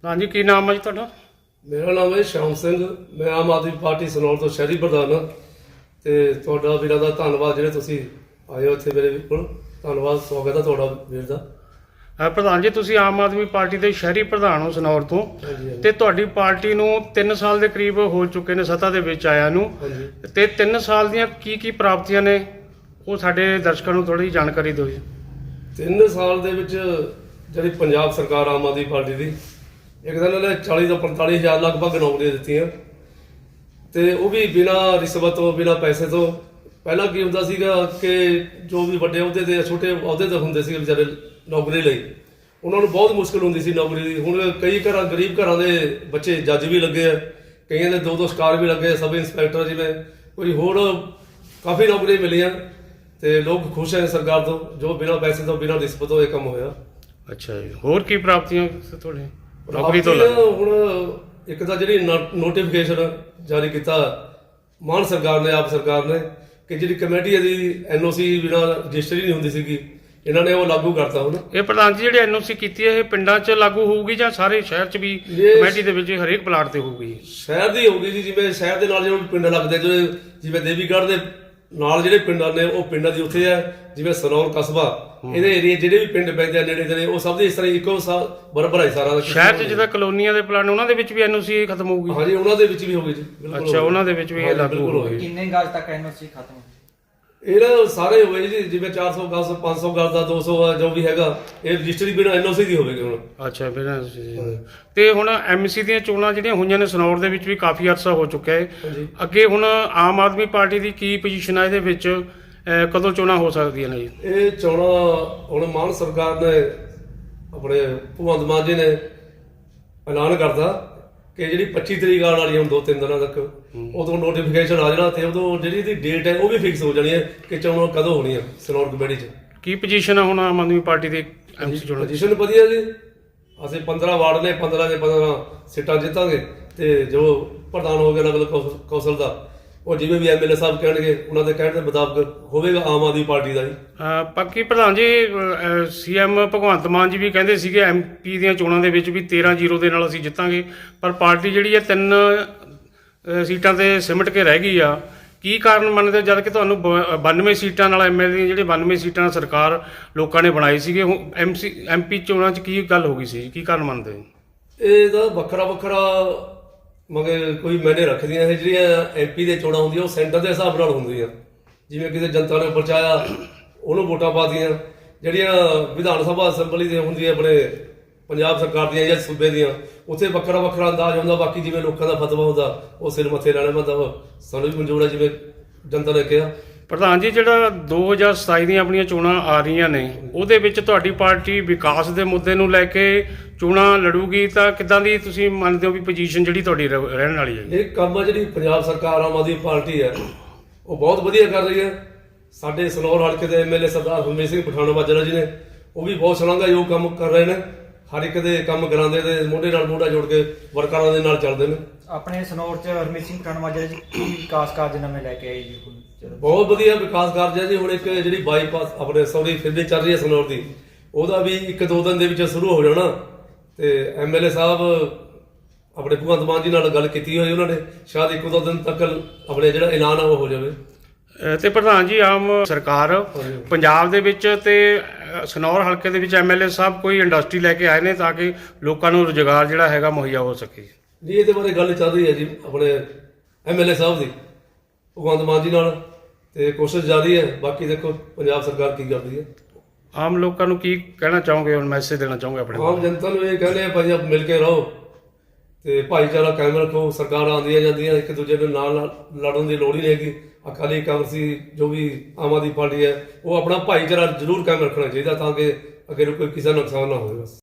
ਹਾਂਜੀ, ਕੀ ਨਾਮ ਹੈ ਜੀ ਤੁਹਾਡਾ? ਮੇਰਾ ਨਾਮ ਹੈ ਸ਼ਾਮ ਸਿੰਘ। ਮੈਂ ਆਮ ਆਦਮੀ ਪਾਰਟੀ ਸਨੌਰ ਤੋਂ ਸ਼ਹਿਰੀ ਪ੍ਰਧਾਨ ਹਾਂ। ਤੇ ਤੁਹਾਡਾ ਵੀਰਾਂ ਦਾ ਧੰਨਵਾਦ ਜਿਹੜੇ ਤੁਸੀਂ ਆਏ ਹੋ ਇੱਥੇ ਮੇਰੇ ਕੋਲ। ਧੰਨਵਾਦ, ਸਵਾਗਤ ਹੈ ਤੁਹਾਡਾ ਵੀਰ ਦਾ। ਪ੍ਰਧਾਨ ਜੀ, ਤੁਸੀਂ ਆਮ ਆਦਮੀ ਪਾਰਟੀ ਦੇ ਸ਼ਹਿਰੀ ਪ੍ਰਧਾਨ ਹੋ ਸਨੌਰ ਤੋਂ, ਹਾਂਜੀ ਹਾਂਜੀ ਤੇ ਤੁਹਾਡੀ ਪਾਰਟੀ ਨੂੰ 3 ਸਾਲ ਦੇ ਕਰੀਬ ਹੋ ਚੁੱਕੇ ਨੇ ਸੱਤਾ ਦੇ ਵਿੱਚ ਆਇਆ ਨੂੰ, ਹਾਂਜੀ। ਤੇ 3 ਸਾਲ ਦੀਆਂ ਕੀ ਪ੍ਰਾਪਤੀਆਂ ਨੇ ਉਹ ਸਾਡੇ ਦਰਸ਼ਕਾਂ ਨੂੰ ਥੋੜੀ ਜਾਣਕਾਰੀ ਦਿਓ ਜੀ। 3 ਸਾਲ ਦੇ ਵਿੱਚ ਜਿਹੜੀ ਪੰਜਾਬ ਸਰਕਾਰ ਆਮ ਆਦਮੀ ਪਾਰਟੀ ਦੀ, ਇੱਕ ਤਾਂ ਇਹਨਾਂ ਨੇ 40 ਤੋਂ 45 ਹਜ਼ਾਰ ਲਗਭਗ ਨੌਕਰੀਆਂ ਦਿੱਤੀਆਂ, ਤੇ ਉਹ ਵੀ ਬਿਨਾਂ ਰਿਸ਼ਵਤ ਤੋਂ, ਬਿਨਾਂ ਪੈਸੇ ਤੋਂ। ਪਹਿਲਾਂ ਕੀ ਹੁੰਦਾ ਸੀਗਾ ਕਿ ਜੋ ਵੀ ਵੱਡੇ ਅਹੁਦੇ ਤੇ ਛੋਟੇ ਅਹੁਦੇ ਤੇ ਹੁੰਦੇ ਸੀ ਵਿਚਾਰੇ ਨੌਕਰੀ ਲਈ, ਉਹਨਾਂ ਨੂੰ ਬਹੁਤ ਮੁਸ਼ਕਲ ਹੁੰਦੀ ਸੀ ਨੌਕਰੀ ਦੀ। ਹੁਣ ਕਈ ਘਰਾਂ, ਗਰੀਬ ਘਰਾਂ ਦੇ ਬੱਚੇ ਜੱਜ ਵੀ ਲੱਗੇ ਆ, ਕਈਆਂ ਦੇ 2-2 ਸਟਾਰ ਵੀ ਲੱਗੇ, ਸਬ ਇੰਸਪੈਕਟਰ, ਜਿਵੇਂ ਕੋਈ ਹੋਰ ਕਾਫੀ ਨੌਕਰੀਆਂ ਮਿਲੀਆਂ, ਤੇ ਲੋਕ ਖੁਸ਼ ਹੈ ਸਰਕਾਰ ਤੋਂ, ਜੋ ਬਿਨਾਂ ਪੈਸੇ ਤੋਂ, ਬਿਨਾਂ ਰਿਸ਼ਵਤ ਤੋਂ ਇਹ ਕੰਮ ਹੋਇਆ। ਅੱਛਾ ਜੀ, ਹੋਰ ਕੀ ਪ੍ਰਾਪਤੀਆਂ ਤੁਹਾਡੇ ਨੌਕਰੀ ਤੋਂ? ਹੁਣ ਇੱਕ ਤਾਂ ਜਿਹੜੀ ਨੋਟੀਫਿਕੇਸ਼ਨ ਜਾਰੀ ਕੀਤਾ ਮਾਨ ਸਰਕਾਰ ਨੇ, ਆਪ ਸਰਕਾਰ ਨੇ, ਕਿ ਜਿਹੜੀ ਕਮੇਟੀ ਦੀ ਐਨਓਸੀ ਬਿਨਾਂ ਰਜਿਸਟਰੀ ਨਹੀਂ ਹੁੰਦੀ ਸੀਗੀ, ਇਹਨਾਂ ਨੇ ਉਹ ਲਾਗੂ ਕਰਤਾ ਹੁਣ। ਇਹ ਪ੍ਰਧਾਨ ਜੀ ਜਿਹੜੀ ਐਨਓਸੀ ਕੀਤੀ ਹੈ, ਇਹ ਪਿੰਡਾਂ 'ਚ ਲਾਗੂ ਹੋਊਗੀ ਜਾਂ ਸਾਰੇ ਸ਼ਹਿਰ 'ਚ ਵੀ ਕਮੇਟੀ ਦੇ ਵਿੱਚ ਹਰੇਕ ਪਲਾਟ ਤੇ ਹੋਊਗੀ? ਸ਼ਹਿਰ ਦੀ ਹੋਊਗੀ ਜੀ, ਜਿਵੇਂ ਸ਼ਹਿਰ ਦੇ ਨਾਲ ਜਿਹੜੇ ਪਿੰਡ ਲੱਗਦੇ, ਜਿਵੇਂ ਦੇਵੀਗੜ੍ਹ ਦੇ ਨਾਲ ਜਿਹੜੇ ਪਿੰਡਾਂ ਨੇ, ਉਹ ਪਿੰਡਾਂ ਦੀ ਉੱਥੇ ਹੈ। ਜਿਵੇਂ ਸਨੌਰ ਕਸਬਾ, ਇਹਦੇ ਏਰੀਏ ਜਿਹੜੇ ਵੀ ਪਿੰਡ ਪੈਂਦੇ ਆ ਨੇੜੇ ਤੇੜੇ, ਉਹ ਸਭ ਦੇ ਇਸ ਤਰ੍ਹਾਂ ਇੱਕੋ ਬਰਾਬਰ ਹੈ ਸਾਰਾ। ਸ਼ਹਿਰ 'ਚ ਜਿੱਦਾਂ ਕਲੋਨੀਆਂ ਦੇ ਪਲਾਟ ਨੇ, ਉਹਨਾਂ ਦੇ ਵਿੱਚ ਵੀ ਐਨਓਸੀ ਖਤਮ ਹੋਊਗੀ? ਹਾਂਜੀ, ਉਹਨਾਂ ਦੇ ਵਿੱਚ ਵੀ ਹੋਊਗੀ ਜੀ, ਬਿਲਕੁਲ। ਅੱਛਾ, ਉਹਨਾਂ ਦੇ ਵਿੱਚ ਵੀ ਇਹ ਲਾਗੂ ਹੋਊਗੀ। ਕਿੰਨੇ ਗਜ਼ ਤੱਕ ਐਨਓਸੀ ਖਤਮ? ਇਹਨਾਂ ਸਾਰੇ ਹੋਏ ਜੀ, ਜਿਵੇਂ 400 ਗਜ਼, 500 ਗਜ਼ ਦਾ, 200 ਆ, ਜੋ ਵੀ ਹੈਗਾ, ਇਹ ਰਜਿਸਟਰੀ ਬਿਨਾਂ ਐਨਓਸੀ ਦੀ ਹੋਵੇਗੀ ਹੁਣ। ਅੱਛਾ, ਬਿਨਾਂ ਤੇ ਹੁਣ ਐਮਸੀ ਦੀਆਂ ਚੋਣਾਂ ਜਿਹੜੀਆਂ ਹੋਈਆਂ ਨੇ ਸਨੌਰ ਦੇ ਵਿੱਚ ਵੀ ਕਾਫੀ ਅਰਸਾ ਹੋ ਚੁੱਕਿਆ ਹੈ। ਹਾਂਜੀ। ਅੱਗੇ ਹੁਣ ਆਮ ਆਦਮੀ ਪਾਰਟੀ ਦੀ ਕੀ ਪੋਜੀਸ਼ਨ ਹੈ ਇਹਦੇ ਵਿੱਚ? ਕਦੋਂ ਚੋਣਾਂ ਹੋ ਸਕਦੀਆਂ ਨੇ ਜੀ? ਇਹ ਚੋਣਾਂ ਹੁਣ ਮਾਨ ਸਰਕਾਰ ਨੇ, ਆਪਣੇ ਭਗਵੰਤ ਮਾਨ ਜੀ ਨੇ ਐਲਾਨ ਕਰਤਾ ਕਿ ਜਿਹੜੀ 25 ਤਰੀਕ ਆਉਣ ਵਾਲੀ, ਹੁਣ 2-3 ਦਿਨਾਂ ਤੱਕ, ਉਦੋਂ ਨੋਟੀਫਿਕੇਸ਼ਨ ਆ ਜਾਣਾ, ਤੇ ਉਦੋਂ ਜਿਹੜੀ ਇਹਦੀ ਡੇਟ ਹੈ ਉਹ ਵੀ ਫਿਕਸ ਹੋ ਜਾਣੀ ਹੈ ਕਿ ਚੋਣਾਂ ਕਦੋਂ ਹੋਣੀਆਂ ਸਨੌਰ ਕਮੇਟੀ 'ਚ। ਕੀ ਪੋਜੀਸ਼ਨ ਹੈ ਹੁਣ ਆਮ ਆਦਮੀ ਪਾਰਟੀ ਦੇ ਐਮਸੀ ਚੋਣਾਂ ਦੀ? ਪੋਜੀਸ਼ਨ ਵਧੀਆ ਜੀ। ਅਸੀਂ 15 ਵਾਰਡ ਨੇ, 15 ਦੇ 15 ਸੀਟਾਂ ਜਿੱਤਾਂਗੇ, ਤੇ ਜੋ ਪ੍ਰਧਾਨ ਹੋ ਗਿਆ ਨਗਰ ਕੌਂਸਲ ਦਾ, ਉਹ ਜਿਵੇਂ ਵੀ ਐਮਐਲਏ ਸਾਹਿਬ ਕਹਿਣਗੇ, ਉਹਨਾਂ ਦੇ ਕਹਿਣ ਦੇ ਮੁਤਾਬਕ ਹੋਵੇਗਾ ਆਮ ਆਦਮੀ ਪਾਰਟੀ ਦਾ ਜੀ। ਬਾਕੀ ਪ੍ਰਧਾਨ ਜੀ, ਸੀਐਮ ਭਗਵੰਤ ਮਾਨ ਜੀ ਵੀ ਕਹਿੰਦੇ ਸੀਗੇ ਐਮਪੀ ਦੀਆਂ ਚੋਣਾਂ ਦੇ ਵਿੱਚ ਵੀ 13-0 ਦੇ ਨਾਲ ਅਸੀਂ ਜਿੱਤਾਂਗੇ, ਪਰ ਪਾਰਟੀ ਜਿਹੜੀ ਹੈ 3 ਸੀਟਾਂ ਤੇ ਸਿਮਟ ਕੇ ਰਹਿ ਗਈ ਆ। ਕੀ ਕਾਰਨ ਮੰਨਦੇ, ਜਦ ਕਿ ਤੁਹਾਨੂੰ 92 ਸੀਟਾਂ ਨਾਲ ਐਮਐਲਏ ਦੀਆਂ, ਜਿਹੜੇ 92 ਸੀਟਾਂ ਨਾਲ ਸਰਕਾਰ ਲੋਕਾਂ ਨੇ ਬਣਾਈ ਸੀਗੇ, ਐਮਪੀ ਚੋਣਾਂ 'ਚ ਕੀ ਗੱਲ ਹੋ ਗਈ ਸੀ? ਕੀ ਕਾਰਨ ਮੰਨਦੇ? ਇਹ ਤਾਂ ਵੱਖਰਾ ਵੱਖਰਾ ਮਗਰ ਕੋਈ ਮੈਨੇ ਰੱਖਦੀਆਂ ਇਹ ਜਿਹੜੀਆਂ ਐਮਪੀ ਦੇ ਚੋਣਾਂ ਹੁੰਦੀਆਂ, ਉਹ ਸੈਂਟਰ ਦੇ ਹਿਸਾਬ ਨਾਲ ਹੁੰਦੀਆਂ। ਜਿਵੇਂ ਕਿਸੇ ਜਨਤਾ ਨੇ ਪਰਚਾਇਆ, ਉਹਨੂੰ ਵੋਟਾਂ ਪਾਦੀਆਂ। ਜਿਹੜੀਆਂ ਵਿਧਾਨ ਸਭਾ ਅਸੈਂਬਲੀ ਦੀਆਂ ਹੁੰਦੀਆਂ, ਆਪਣੇ ਪੰਜਾਬ ਸਰਕਾਰ ਦੀਆਂ ਜਾਂ ਸੂਬੇ ਦੀਆਂ, ਉੱਥੇ ਵੱਖਰਾ ਵੱਖਰਾ ਅੰਦਾਜ਼ ਹੁੰਦਾ। ਬਾਕੀ ਜਿਵੇਂ ਲੋਕਾਂ ਦਾ ਫਤਵਾ ਹੁੰਦਾ, ਉਹ ਸਿਰ ਮੱਥੇ ਲੈਣਾ ਪੈਂਦਾ। ਸਾਨੂੰ ਵੀ ਮਨਜ਼ੂਰ ਹੈ ਜਿਵੇਂ ਜਨਤਾ ਨੇ ਕਿਹਾ। ਪ੍ਰਧਾਨ ਜੀ, ਜਿਹੜਾ 2027 ਦੀਆਂ ਆਪਣੀਆਂ ਚੋਣਾਂ ਆ ਰਹੀਆਂ ਨੇ, ਉਹਦੇ ਵਿੱਚ ਤੁਹਾਡੀ ਪਾਰਟੀ ਵਿਕਾਸ ਦੇ ਮੁੱਦੇ ਨੂੰ ਲੈ ਕੇ ਚੋਣਾਂ ਲੜੂਗੀ, ਤਾਂ ਕਿੱਦਾਂ ਦੀ ਤੁਸੀਂ ਮੰਨਦੇ ਹੋ ਵੀ ਪੋਜੀਸ਼ਨ ਜਿਹੜੀ ਤੁਹਾਡੀ ਰਹਿਣ ਵਾਲੀ ਹੈ? ਇਹ ਕੰਮ ਆ ਜਿਹੜੀ ਪੰਜਾਬ ਸਰਕਾਰ ਆਮ ਆਦਮੀ ਪਾਰਟੀ ਹੈ, ਉਹ ਬਹੁਤ ਵਧੀਆ ਕਰ ਰਹੀ ਹੈ। ਸਾਡੇ ਸਨੌਰ ਹਲਕੇ ਦੇ ਐਮਐਲਏ ਸਰਦਾਰ ਹਰਮੀਤ ਸਿੰਘ ਪਠਾਨੋਂ-ਮਾਜਰਾ ਜੀ ਨੇ, ਉਹ ਵੀ ਬਹੁਤ ਸ਼ਲਾਘਾਯੋਗ ਕੰਮ ਕਰ ਰਹੇ ਨੇ। ਹਰ ਇੱਕ ਦੇ ਕੰਮ ਕਰਾਉਂਦੇ, ਤੇ ਮੋਢੇ ਨਾਲ ਮੋਢਾ ਜੋੜ ਕੇ ਵਰਕਰਾਂ ਦੇ ਨਾਲ ਚੱਲਦੇ ਨੇ। ਆਪਣੇ ਸਨੌਰ 'ਚ ਹਰਮੀਤ ਸਿੰਘ ਪਠਾਨੋਂ-ਮਾਜਰਾ ਜੀ ਕੀ ਵਿਕਾਸ ਕਾਰਜ ਨਵੇਂ ਲੈ ਕੇ ਆਏ ਜੀ? ਬਹੁਤ ਵਧੀਆ ਵਿਕਾਸ ਕਾਰਜ ਹੈ ਜੀ। ਹੁਣ ਇੱਕ ਜਿਹੜੀ ਬਾਈਪਾਸ ਆਪਣੇ ਸੌਰੀ ਫਿਰਨੀ ਚੱਲ ਰਹੀ ਹੈ ਸਨੌਰ ਦੀ, ਉਹਦਾ ਵੀ 1-2 ਦਿਨ ਦੇ ਵਿੱਚ ਸ਼ੁਰੂ ਹੋ ਜਾਣਾ। ਤੇ ਐਮਐਲਏ ਸਾਹਿਬ ਆਪਣੇ ਭਗਵੰਤ ਮਾਨ ਜੀ ਨਾਲ ਗੱਲ ਕੀਤੀ ਹੋਈ ਉਹਨਾਂ ਨੇ, ਸ਼ਾਇਦ 1-2 ਦਿਨ ਤੱਕ ਆਪਣੇ ਜਿਹੜਾ ਐਲਾਨ ਆ ਉਹ ਹੋ ਜਾਵੇ। ਤੇ ਪ੍ਰਧਾਨ ਜੀ, ਆਮ ਸਰਕਾਰ ਪੰਜਾਬ ਦੇ ਵਿੱਚ ਤੇ ਸਨੌਰ ਹਲਕੇ ਦੇ ਵਿੱਚ ਐਮਐਲਏ ਸਾਹਿਬ ਕੋਈ ਇੰਡਸਟਰੀ ਲੈ ਕੇ ਆਏ ਨੇ ਤਾਂ ਕਿ ਲੋਕਾਂ ਨੂੰ ਰੁਜ਼ਗਾਰ ਜਿਹੜਾ ਹੈਗਾ ਮੁਹੱਈਆ ਹੋ ਸਕੇ? ਜੀ, ਇਹਦੇ ਬਾਰੇ ਗੱਲ ਚੱਲ ਰਹੀ ਹੈ ਜੀ ਆਪਣੇ ਐਮਐਲਏ ਸਾਹਿਬ ਦੀ ਭਗਵੰਤ ਮਾਨ ਜੀ ਨਾਲ, ਤੇ ਕੋਸ਼ਿਸ਼ ਜਾਰੀ ਹੈ। ਬਾਕੀ ਦੇਖੋ ਪੰਜਾਬ ਸਰਕਾਰ ਕੀ ਕਰਦੀ ਹੈ। ਆਮ ਲੋਕਾਂ ਨੂੰ ਕੀ ਕਹਿਣਾ ਚਾਹੋਗੇ, ਹੁਣ ਮੈਸੇਜ ਦੇਣਾ ਚਾਹੋਗੇ ਆਪਣੇ? ਆਮ ਜਨਤਾ ਨੂੰ ਇਹ ਕਹਿੰਦੇ ਆ ਭਾਈ, ਆਪ ਮਿਲ ਕੇ ਰਹੋ ਤੇ ਭਾਈਚਾਰਾ ਕਾਇਮ ਰੱਖੋ। ਸਰਕਾਰਾਂ ਆਉਂਦੀਆਂ ਜਾਂਦੀਆਂ, ਇੱਕ ਦੂਜੇ ਦੇ ਨਾਲ ਲੜਨ ਦੀ ਲੋੜ ਹੀ ਨਹੀਂ ਹੈਗੀ। ਅਕਾਲੀ ਕਾਂਗਰਸੀ ਜੋ ਵੀ ਆਮ ਆਦਮੀ ਪਾਰਟੀ ਹੈ, ਉਹ ਆਪਣਾ ਭਾਈਚਾਰਾ ਜ਼ਰੂਰ ਕਾਇਮ ਰੱਖਣਾ ਚਾਹੀਦਾ, ਤਾਂ ਕਿ ਅੱਗੇ ਨੂੰ ਕੋਈ ਕਿਸੇ ਦਾ ਨੁਕਸਾਨ ਨਾ ਹੋਵੇ। ਬਸ।